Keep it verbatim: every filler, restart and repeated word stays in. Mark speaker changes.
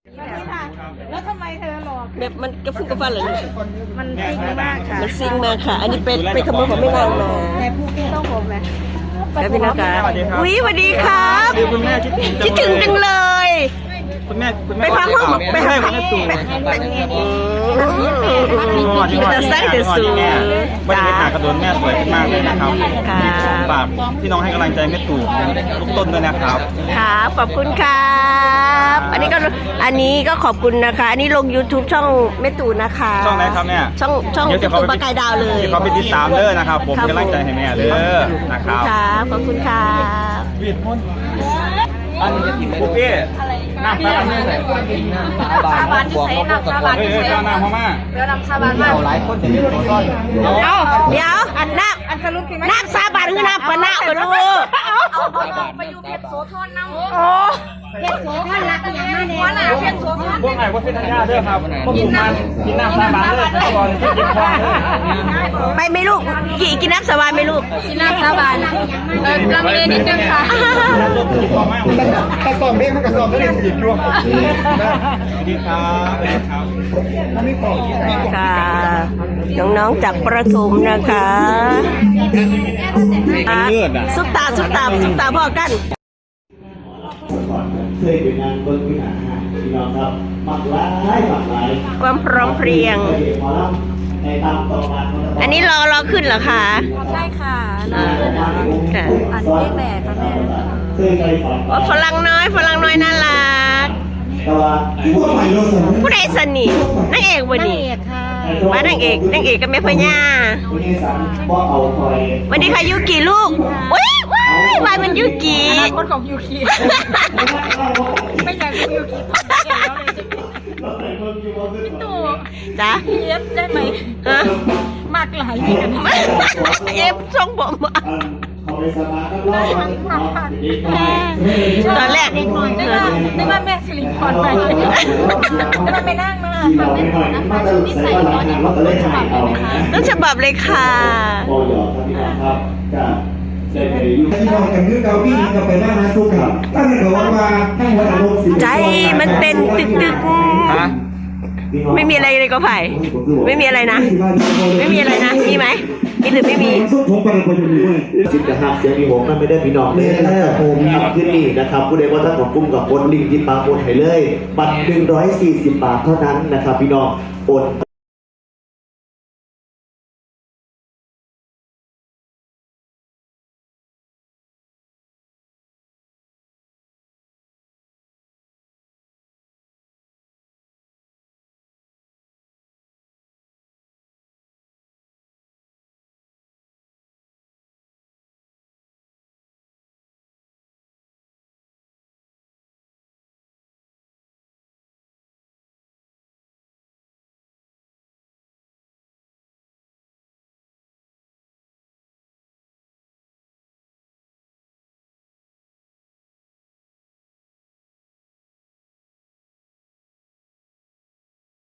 Speaker 1: แล้วทำไมเธอหลอก
Speaker 2: แบบมันกระฟุ้งกระฟันเหรอ
Speaker 1: มันซิ่งมากค่ะ
Speaker 2: มันซิ่งมากค่ะ อันนี้เป็นเป็นขโมยของแม่นางมา
Speaker 1: แต่ผู้ที่ต้องผมนะ
Speaker 2: แล้วพี่นะคะอุ้ยสวัสดีครับ
Speaker 3: คุณแม่คิดถึง
Speaker 2: คิดถึงจังเลย
Speaker 3: คุณแม่คุณ
Speaker 2: ไป
Speaker 3: แม่
Speaker 2: พักห้องไป
Speaker 3: ให้
Speaker 2: พัก
Speaker 3: คุณแม่ตู่
Speaker 2: แต่ไส้แต่สูง
Speaker 3: บรรยากาศกระโดนแม่สวยขึ้นมากเลยนะครับ
Speaker 2: ค่ะ
Speaker 3: ฝากพี่น้องให้กำลังใจแม่ตู่ทุกต้นด้วยนะครับ
Speaker 2: ครับขอบคุณครับอันนี้ก็อันนี้ก็ขอบคุณนะคะ อันนี้ลง YouTube ช่องแม่ตู่นะคะ
Speaker 3: ช่องไหนครับแม่
Speaker 2: ช่องช่อง
Speaker 3: เดี๋ยวจะ
Speaker 2: ตู่
Speaker 3: เข้าไป
Speaker 2: ปลากายดาวเลย
Speaker 3: เดี๋ยวเขาไปติดตามเด้อนะครับ ผมเป็นกำลังใจให้แม่เด้อนะครับ
Speaker 2: ครับขอบคุณครับ
Speaker 3: วีดพ้นอันปุ๊บเอ๊ะน้ำตาลนี่ใส่
Speaker 1: ซาบานที่ใส่น้ำซาบาน
Speaker 3: เฮ้ย
Speaker 1: ที่
Speaker 3: เฮ้ย
Speaker 1: ใส่
Speaker 3: เจ้าน้ำพม่า
Speaker 1: เดี๋ยวน้ำซาบานมา
Speaker 3: หลายคนจะมีตัวต้น
Speaker 2: เอาเดี๋ยวน้
Speaker 1: อันสรุปคือ
Speaker 2: ำน้ำซาบานคือน้ำปะนะกันลูก
Speaker 1: เอาเอาไปอยู่เพชรโสธรน้ำ
Speaker 2: โอ้
Speaker 1: เพชรโสธรรักอย่างมาเนี่ยหัวหน้าเพชรโสธร
Speaker 3: พวกไหนพวกเส้นทางยาเด้อครับพวกหมู่มันกินน้ำซาบานเด้อแต่ก่อนที่กินควายเด้อ
Speaker 2: ไปไหมลูกกี่กินน้ำสบายไหมลูก
Speaker 1: กินน้ำซาบานเออลำเลียงนิดนึงค่ะ
Speaker 3: กระสอบเบี้ยมันกระสอบไม่ได้ถีบด้วยดีครับครับ
Speaker 2: ค่ะน้องๆจากประถมนะคะอ่ะซุปตาซุปตาซุปตาพ่อกัน
Speaker 4: เคยเป็นงานเบิ้งวิหารพี่น้องครับมักหลายมักหลาย
Speaker 2: ความพร้อมเพรียง
Speaker 4: หมอลำในตามต่อมา
Speaker 2: อันนี้รอรอขึ้นเหรอคะ
Speaker 1: ใช่ค่ะ
Speaker 2: ค่ะ
Speaker 1: อันนี้แม่ค่ะแม่
Speaker 4: เคยไปฝัน
Speaker 2: โอ้ฝรั่งน้อยฝรั่งน้อยน่ารัก
Speaker 4: แต่ว่าพวกใหม่เราสม
Speaker 2: ผู้ใดสนิทนางเอกวันนี้
Speaker 1: เอกค่ะ
Speaker 2: มานางเอกนางเอกกับแม่พญา
Speaker 4: คุณยายสันบ่เอาคอย
Speaker 2: วันนี้ค่ะยูกิลูกว้ายว้ายว้ายมันยูกิ
Speaker 1: อนาคตของยูคิไม่อยากเป็นยูคิพี่ตู่
Speaker 2: จ้ะ
Speaker 1: เอฟได้ไหม
Speaker 2: ฮะ
Speaker 1: มากหลายเหรียญ
Speaker 2: เอฟทรงผม
Speaker 4: เขาไปสมาธิรอบ
Speaker 2: ตอนแรก
Speaker 1: ได้ว่าได้ว่าแม่สิริพรไปได้ว่าไม่นั่งมา
Speaker 4: เราไม่หน่อยมาจะใส่ว่าหลังงานเราจะเล่นหายเอานะ
Speaker 2: ต้นฉบับเลยค่ะ
Speaker 4: โอ้ยครับพี่น้องครับก็เสร็จไปอยู่
Speaker 5: ที่มองกันคือเกาพี่ก็ไปบ้านนะสุขครับถ้าเกิดว่ามาทั้งวันอารมณ์สิ
Speaker 2: ใจมันเต้นตึกตึก
Speaker 3: ฮะ
Speaker 2: ไม่มีอะไรเลยก็ไผ่ไม่มีอะไรนะ ไม่มีอะไรนะ มีไหมมีหรือไม่มี
Speaker 5: ผมไปคนอยู่ด้วย
Speaker 4: สิบนะครับเสียงมีผมนั่นไม่ได้พี่น้องเลยนะครับผมครับที่นี่นะครับผู้ใดว่าท่านของกลุ่มกับกดลิงก์ที่ปาโอนให้เลยบัตรหนึ่งร้อยสี่สิบบาทเท่านั้นนะครับพี่น้องโอน